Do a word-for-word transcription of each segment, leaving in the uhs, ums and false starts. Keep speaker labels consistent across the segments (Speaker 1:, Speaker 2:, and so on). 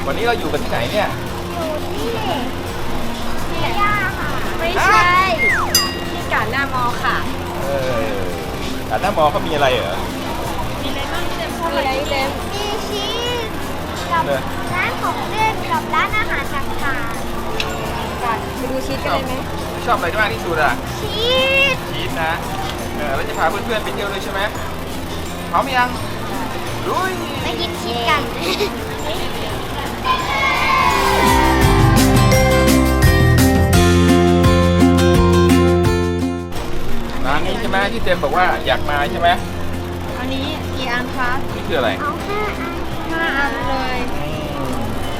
Speaker 1: วันนี้เราอยู่กันที่ไหนเนี่ย
Speaker 2: อยู่ที่ที่ย่าค่ะไม่ใช่ ที่กาญจนามอค่ะ
Speaker 1: เออแต่หน้ามอเขามีอะไรเหรอ
Speaker 2: มีอะไรบ้างที่เต็มชอบอะไรเต็มมีชีสกับร้านของเล่นกับร้านอาหารต่างๆกันไปดูชีสกันเลยไหม
Speaker 1: ชอบอะไรมากที่สุดอ่ะ
Speaker 2: ชีส
Speaker 1: ชีสนะเออแล้วจะพาเพื่อนๆไปเที่ยวด้วยใช่ไหมพร้อมยังลุย
Speaker 2: ไปกินชีสกัน
Speaker 1: ร้านนี้ใช่ไหมที่เต็มบอกว่าอยากมาใช่ไหม
Speaker 2: อันนี้กี่อันคะ
Speaker 1: นี่คืออะไร
Speaker 2: เอาห้าอันห้าอันเลย
Speaker 1: อืม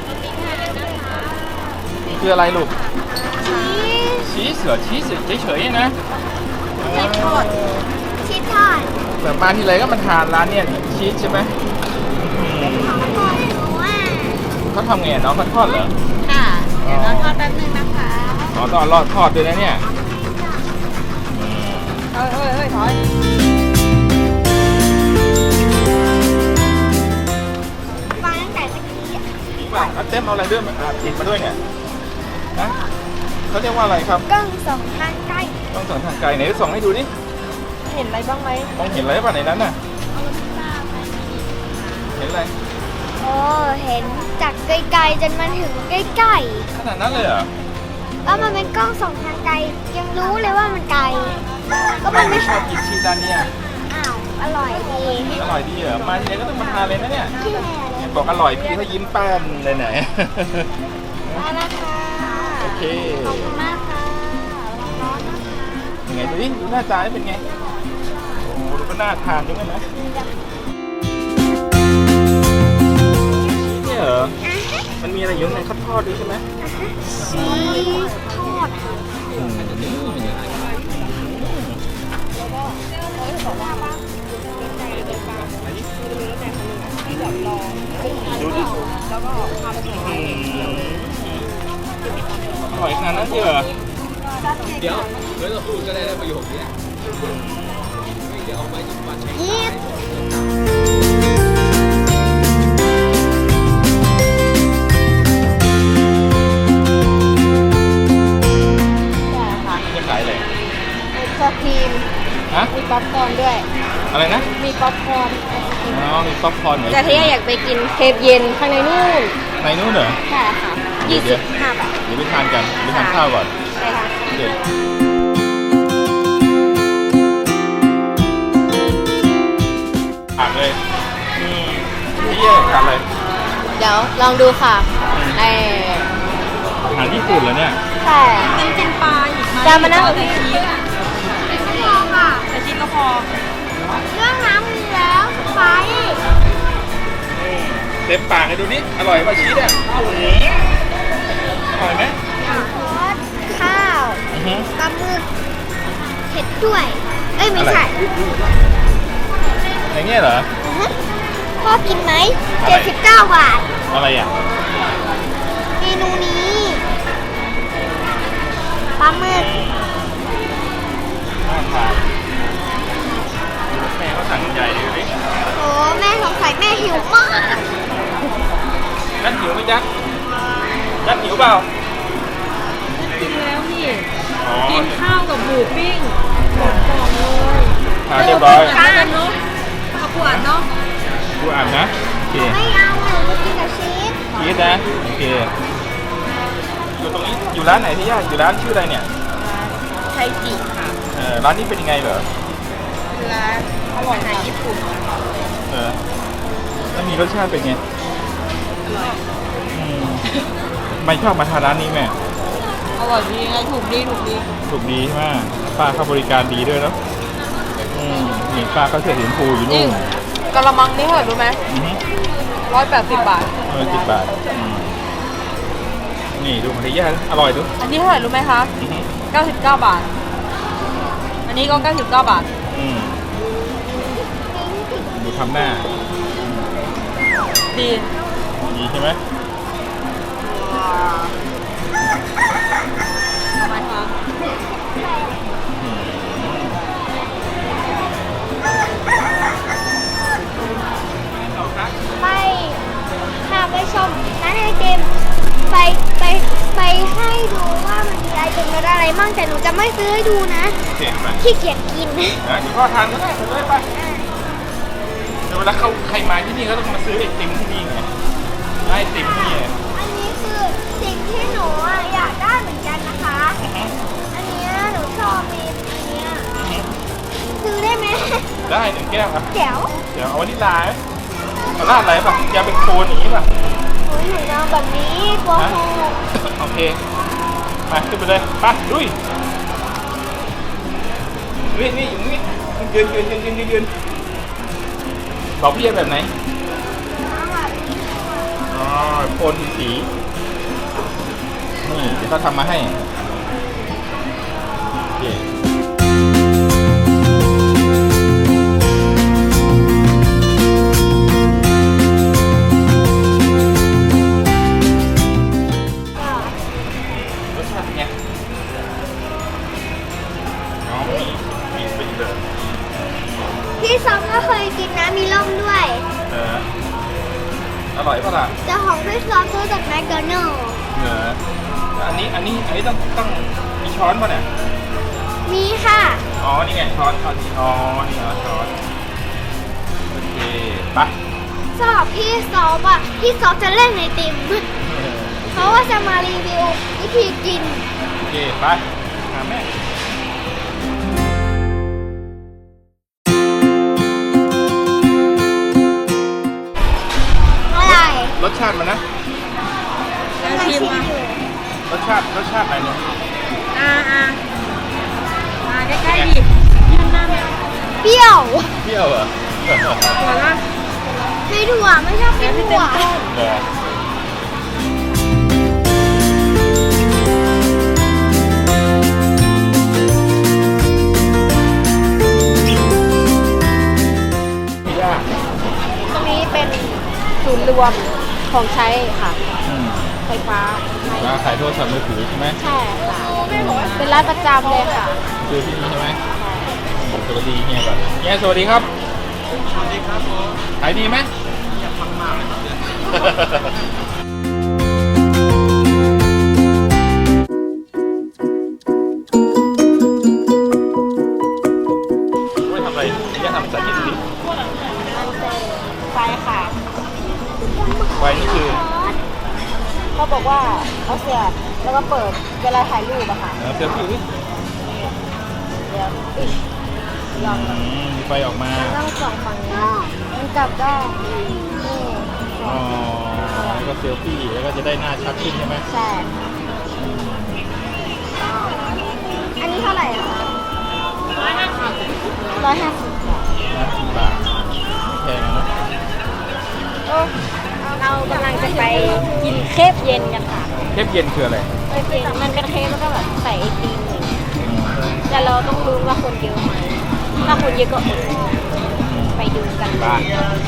Speaker 1: คืออะไรลูก
Speaker 2: ชีส
Speaker 1: ชีสเหรอชีสเฉยๆนะ
Speaker 2: ชีสทอดชีสทอด
Speaker 1: แบบมาทีไรก็มาทานร้านเนี่ยชีสใช่ไหม
Speaker 2: ของทอดหนูอ่ะ
Speaker 1: เขาทำไงน้องเขาทอดเหรอ
Speaker 2: ค่ะ เดี๋ยวเราทอดแป๊บนึงนะคะ
Speaker 1: อ๋อต้องรอดทอดด้วยนะเนี่ย
Speaker 2: เอ้ยเอ้ยเอ้ยถอยฟังตั้งแต่ตะกี้อ่ะ
Speaker 1: จริงป่ะเอาเต็มเอาอะไรด้วยมาอ่ะติดมาด้วยเนี่ยนะเขาเรียกว่าอะไรครับ
Speaker 2: กล้องสองทางใกล้
Speaker 1: ต้องส่องทางไกลไหนส่องให้ดูดิ
Speaker 2: เห็นอะไรบ้างไหม
Speaker 1: มองเห็นอะไรป่ะในนั้นน่ะเห็นอะไร
Speaker 2: โอ้เห็นจากไกลๆจนมาถึงใกล้
Speaker 1: ขนาดนั้นเลยเหรอ
Speaker 2: ๆแล้วมันเป็นกล้องสองทางไกลยังรู้เลยว่ามันไกล ก็
Speaker 1: ทำไม
Speaker 2: มัน
Speaker 1: ไม่
Speaker 2: ไม่
Speaker 1: ชอบกินชีสด้านเนี่ย
Speaker 2: อ้าวอร่อยดี
Speaker 1: อร่อยดีเหรอมาทีไรก็ต้องมาทานเลยนะเนี่ย
Speaker 2: แค่เลย
Speaker 1: เนี่ยบอกอร่อยพี่เขายิ้มแป้นเลยไหน
Speaker 2: มาแล้วค่ะ
Speaker 1: โอเค
Speaker 2: ขอบคุณมากค่ะร้อนนะคะ
Speaker 1: ยังไงดูดิดูหน้าตาเป็นไงโอ้โหดูก็น่าทานด้วยนะชีสเนี่ยเหรอมันมีอะไรอยู่ในข้าวทอดด้วยใช่ไหม
Speaker 2: ชีสทอด
Speaker 1: อืมดูดิอร่อยขนาดนั้นเลยเหรอ
Speaker 3: เดี๋ยวไม่ต้องพูดก็ได้นะประโยคนี้เดี๋ยวออกไปจุดวัน
Speaker 2: ชีส
Speaker 1: จะขายอะไร
Speaker 2: มีคอครีม
Speaker 1: ฮะ
Speaker 2: มีป๊อปคอร์นด้วย
Speaker 1: อะไรนะ
Speaker 2: มีป๊อปคอร์น
Speaker 1: อ๋อมีป๊อปคอร์นเหรอ
Speaker 2: แต่ที่อยากไปกินเคฟเย็นข้างในนู่น
Speaker 1: ในนู้นเหรอ
Speaker 2: ใช่ค่ะ
Speaker 1: เดี๋
Speaker 2: ยี่
Speaker 1: ยว
Speaker 2: สิบห้าบาท
Speaker 1: เดี๋ยวไปทานกันเดี๋ยวไปทานข้าวก่อน
Speaker 2: ใช่ค่ะ
Speaker 1: โอเคผักเลยอืมนี่แยกกันเลย
Speaker 2: เดี๋ยวลองดูค่ะไอ
Speaker 1: อาหารญี่ปุ่นเหรอเนี่ย
Speaker 2: ใช่
Speaker 4: เป็นเป็นปลาอีกไหม
Speaker 2: จะมานั่ง
Speaker 4: ใส่ชีส
Speaker 2: พอค่ะ
Speaker 4: ใส่ชีสก็พอ
Speaker 2: เรื่องน้ำมีแล้วไฟ
Speaker 1: เต็มปากเลยดูนี่อร่อยป่ะชีสอ่ะอร่อยไหม
Speaker 2: ทอดข้าว
Speaker 1: อือฮึ
Speaker 2: ปลาหมึกเผ็ดด้วย เอ้ยไม่ใช่
Speaker 1: อย่างเงี้ยเหรอ
Speaker 2: อือฮึพ่อกินไหม
Speaker 1: อะไร
Speaker 2: เจ็ดสิบเก้าบาท
Speaker 1: อะไรอ่ะ
Speaker 2: เมนูนี้ปลาหมึก
Speaker 1: น่าทานแม่เขาสั่งใหญ่เลยดูดิ
Speaker 2: โอ้แม่สงสัยแม่หิวมาก
Speaker 1: นัดหิวไหมจ๊ะนัดหิวเปล่า
Speaker 4: กินแล้วนี่
Speaker 1: อ๋อ
Speaker 4: กินข้าวกับหมูปิ้งหมดกล่องเลย
Speaker 1: ทานเรียบร้อย
Speaker 4: ทานกันเนาะข้าวปวดเนาะ
Speaker 1: กูอ่านนะโอเค
Speaker 2: ไม่เอาหนูจะกินกับชีส
Speaker 1: ชีสนะโอเคอยู่ตรงนี้อยู่ร้านไหนที่ย่าอยู่ร้านชื่ออะไรเนี่ย
Speaker 4: ไทจิค่ะ
Speaker 1: เออร้านนี้เป็นยังไงเหรอ
Speaker 4: ร้านอร่อยอาหารญี่ปุ่น
Speaker 1: เออแล้วมีรสชาติเป็นไง
Speaker 4: อร่อย
Speaker 1: อืมไม่ชอบมาทานร้านนี้แม่
Speaker 4: อร่อยดีไงถูกดีถูกดี
Speaker 1: ถูกดีใช่ไหมป้าเขาบริการดีด้วยเนาะอืมนี่ป้าเขาเสื้อสีชมพูอยู่
Speaker 4: จริ
Speaker 1: นู่
Speaker 4: ง
Speaker 1: น
Speaker 4: กะละมังนี่เท่าไหร่รู้ไหม
Speaker 1: อือฮึ
Speaker 4: ร้อยแปดสิบบาท
Speaker 1: เออสิบบาทอืมนี่ดูมันดีย่าอร่อยดู
Speaker 4: อันนี้เท่าไหร่รู้ไหมคะ
Speaker 1: อือฮึ
Speaker 4: เก้าสิบเก้าบาท อันนี้ก็เก้าสิบเก้าบาท
Speaker 1: อืมดูทำหน้า
Speaker 4: ดี
Speaker 1: ดีใช่ไหม
Speaker 4: ทำไมคะ
Speaker 1: อืม
Speaker 2: ไปพาไปชมร้านอาเต็มไปไปไปให้ดูว่ามันมีไอเต็มรสอะไรมั่งแต่หนูจะไม่ซื้อให้ดูนะ
Speaker 1: เห็นไหม
Speaker 2: ขี้เกียจกิน
Speaker 1: นะเดี๋ยวพ่อทานก็ได้ไปเลยไปเดี๋ยวเวลาเขาใครมาที่นี่ก็ต้องมาซื้อไอติมที่นี่ไงไอติมที่นี่
Speaker 2: อันนี้คือสิ่งที่หนูอะอยากได้เหมือนกันนะคะ อันเนี้ยหนูชอบมีอันเนี้ยซื้อได้ไหม
Speaker 1: ได้หนึ่งแก้วครับ
Speaker 2: แจ๋ว
Speaker 1: เดี๋ยวเอาวานิลลาไหมเอาราดอะไรป่ะยาเป็นโคนอย่างนี้ป่ะ
Speaker 2: หนูหนูเอาแบบนี้กลัวโค
Speaker 1: โอเคมาขึ้นไปเลยไปลุยนี่นี่อยู่นี่ยืนยืนยืนยืนยืนยืนบอกพี่แบบไหนอ๋อโคนสีนี่เดี๋ยวเขาทำมาให้โอเครสชาติเป็นไงน้องมีมีไปอีกเลย
Speaker 2: พี่ซอมก็เคยกินนะมีล่มด้วย
Speaker 1: เอออร่อยปะล่ะ
Speaker 2: แต่ของพี่ซอมซื้อจากแมคโดนัลด์
Speaker 1: เหรออันนี้อันนี้อันนี้ต้องต้องมีช้อนป่ะเนี่ย
Speaker 2: มีค่ะ
Speaker 1: อ๋อ นี่ไงช้อนช้อนนี่อ๋อ นี่เหรอช้อน โอเค ไป
Speaker 2: สำหรับพี่ซอฟอ่ะพี่ซอฟจะเล่นในติมเพราะว่าจะมารีวิววิธีกิน
Speaker 1: โอเค ไป หาแม่
Speaker 2: อะไร
Speaker 1: รสชาติมันนะ
Speaker 4: แล้วชิมอ่ะ
Speaker 1: รสชาติ รสชาติอะไรเนี่ย
Speaker 4: อ่าอ่ามาใกล้ๆดิยืนหน้าแมว
Speaker 2: เปรี้ยว
Speaker 1: เปรี้ยวเหรอ
Speaker 4: หัวละ
Speaker 2: ไม่ถั่วไม่ชอบกินถั่ว
Speaker 1: เหรอไม่ยาก
Speaker 4: ตรงนี้เป็นศูนย์รวมของใช้ค่ะ
Speaker 1: อืม
Speaker 4: ไฟฟ้า
Speaker 1: ร้านขายโทรศัพท์มือถือใช่ไหม
Speaker 4: ใช่ค่ะ เป็นร้านประจำเลยค่ะ
Speaker 1: คือที่นี่ใช่ไหมสวัสดีเฮียก่อนเฮียสวัสดีครับ สวัสดีครับผมขายดีไหมอยากฟังมากเลยไม่ทำอะไรเฮียทำสาธิตสิ
Speaker 4: ไฟค่ะ
Speaker 1: ไฟนี่คือ
Speaker 4: เขาบอกว่าเขาเสียบแล้วก็เปิดเวลาถ่ายรูปอะค่ะ
Speaker 1: เออเซลฟี่ดิ
Speaker 4: เดี๋ยวปิดลอง
Speaker 1: อืมมีไฟออกมา
Speaker 4: ต้องส่องฝั่งนี้มันกลับได้นี่
Speaker 1: อ๋อแล้วก็เซลฟี่แล้วก็จะได้หน้าชัดขึ้นใช่ไหม
Speaker 4: ใช่
Speaker 2: อันนี้เท่าไหร่อะคะ
Speaker 4: ร้อยห้าสิบ
Speaker 1: ห้าสิบบาทแพงนะ
Speaker 4: เรากำลังจะไปกินเคฟเย็นกันค่ะ
Speaker 1: เทปเย็นคืออะไร
Speaker 4: เคฟเย็นมันเป็นเคฟแล้วก็แบบใส่ไอติมอย่างเงี้ยแต่เราต้องรู้ว่าคนเยอะไหมถ้าคนเยอะก็อดไปดูกัน
Speaker 1: บ้าน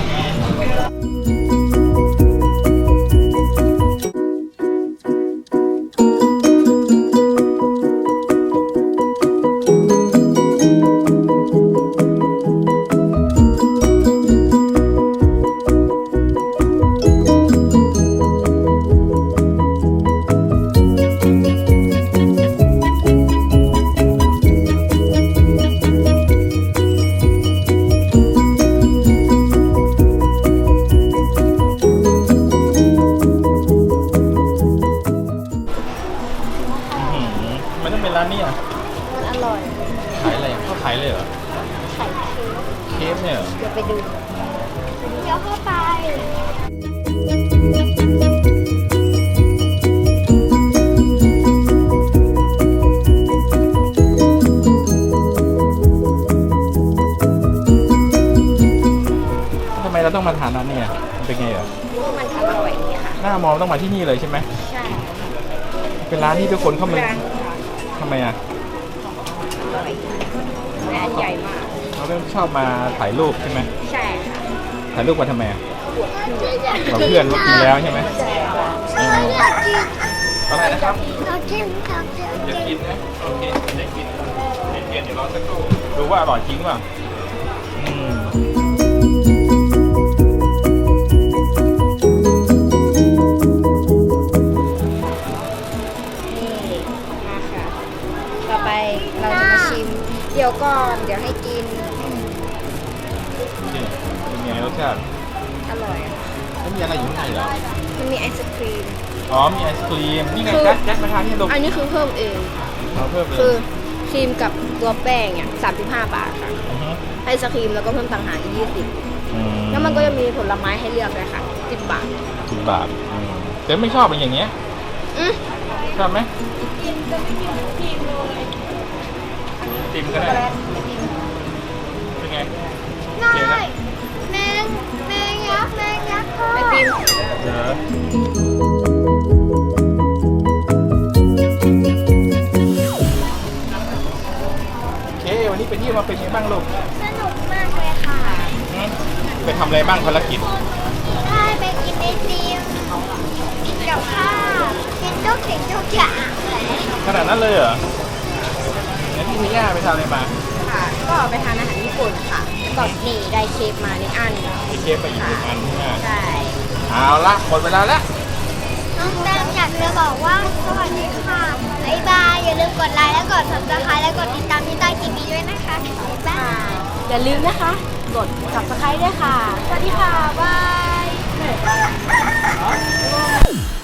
Speaker 1: มันต้องเป็นร้านนี้อ่ะ
Speaker 4: มันอร่อย
Speaker 1: ขายอะไรอ่ะเขาขายเลยเหรอ
Speaker 4: ไข่เค็ม
Speaker 1: เคฟเนี่ยเหรอ
Speaker 4: เดี๋ยวไปดู
Speaker 2: เดี๋ยวเข้าไป
Speaker 1: ทำไมเราต้องมาทานร้านนี้อ่ะมันเป็นไงเหรอ
Speaker 4: มันอร่อยดีค่ะ
Speaker 1: หน้ามองต้องมาที่นี่เลยใช่ไหม
Speaker 4: ใช่
Speaker 1: เป็นร้านที่ทุกคนเข้ามา
Speaker 4: ร้านค่ะ
Speaker 1: ทำไมอ่ะ
Speaker 4: อร่อยและอันใหญ่มาก
Speaker 1: เราเริ่มชอบมาถ่ายรูปใช่ไหม
Speaker 4: ใช่ค่ะ
Speaker 1: ถ่ายรูปมาทำไมอ่ะ
Speaker 4: ปวดหัว
Speaker 1: กับเพื่อนว่ากินแล้วใช่ไหม
Speaker 4: ใช่ค่ะ
Speaker 1: เอออะไรนะครับ
Speaker 2: เราเค็มเราเค็ม
Speaker 1: อยากกินนะโอเคอยากกินเย็นๆเดี๋ยวรอสักครู่ดูว่าอร่อยจริงเปล่าอืมใช่เหรอ
Speaker 4: มันมีไอศครีม
Speaker 1: อ๋อมีไอศครีมนี่ไง
Speaker 4: คือ
Speaker 1: แจ็คแจ็คมาทานนี่ลูก
Speaker 4: อันนี้คือเพิ่มเอง
Speaker 1: เราเพิ่มเลย
Speaker 4: คือครีมกับตัวแป้งเนี่ยสามสิบห้าบาทค่ะ
Speaker 1: อฮึ
Speaker 4: ไอศครีมแล้วก็เพิ่มต่างหากอีกยี่สิบ
Speaker 1: อื
Speaker 4: แล้วมันก็จะมีผลไม้ให้เลือกเลยค่ะสิบบาท
Speaker 1: สิบบาทอืมแต่ไม่ชอบเป็นอย่างเงี้ย
Speaker 4: อืม
Speaker 1: ชอบไหม
Speaker 4: กินจะไม่กินครีมเลย
Speaker 1: ติมก็ได้เป็นไง
Speaker 2: น้อยแมงแมงยักษ์แมงยักษ์พ่อ
Speaker 4: ไอติม
Speaker 1: เดี๋ยวโอเควันนี้ไปเที่ยวมาเป็นไงบ้างลูก
Speaker 2: สนุกมากเลยค่ะ
Speaker 1: หืมไปทำอะไรบ้างภารกิจ
Speaker 2: ได้ไปกินไอติมกินกับข้าวกินทุกสิ่งทุกอย่างเลย
Speaker 1: ขนาดนั้นเลยเหรองั้นพี่เทย่าไปทำอะไรมา
Speaker 4: ค่ะ ก็ไปทานอาหารญี่ปุ่นค่ะ แล้วก็นี่ได้เค้กมาหนึ่งอัน
Speaker 1: มีเค้กไปอีกหนึ่งอันใช่ไหม
Speaker 4: ใช่
Speaker 1: เอาละหมดเวลาแล้ว
Speaker 2: น้องแตมอยากจะบอกว่าสวัสดีค่ะบ๊ายบายอย่าลืมกดไลค์และกด ซับสไครบ์ และกดติดตามที่ใต้คลิปนี้ด้วยนะคะบ๊ายบาย
Speaker 4: อย่าลืมนะคะ กด subscribe ด้วยค่ะ สวัสดีค่ะ บาย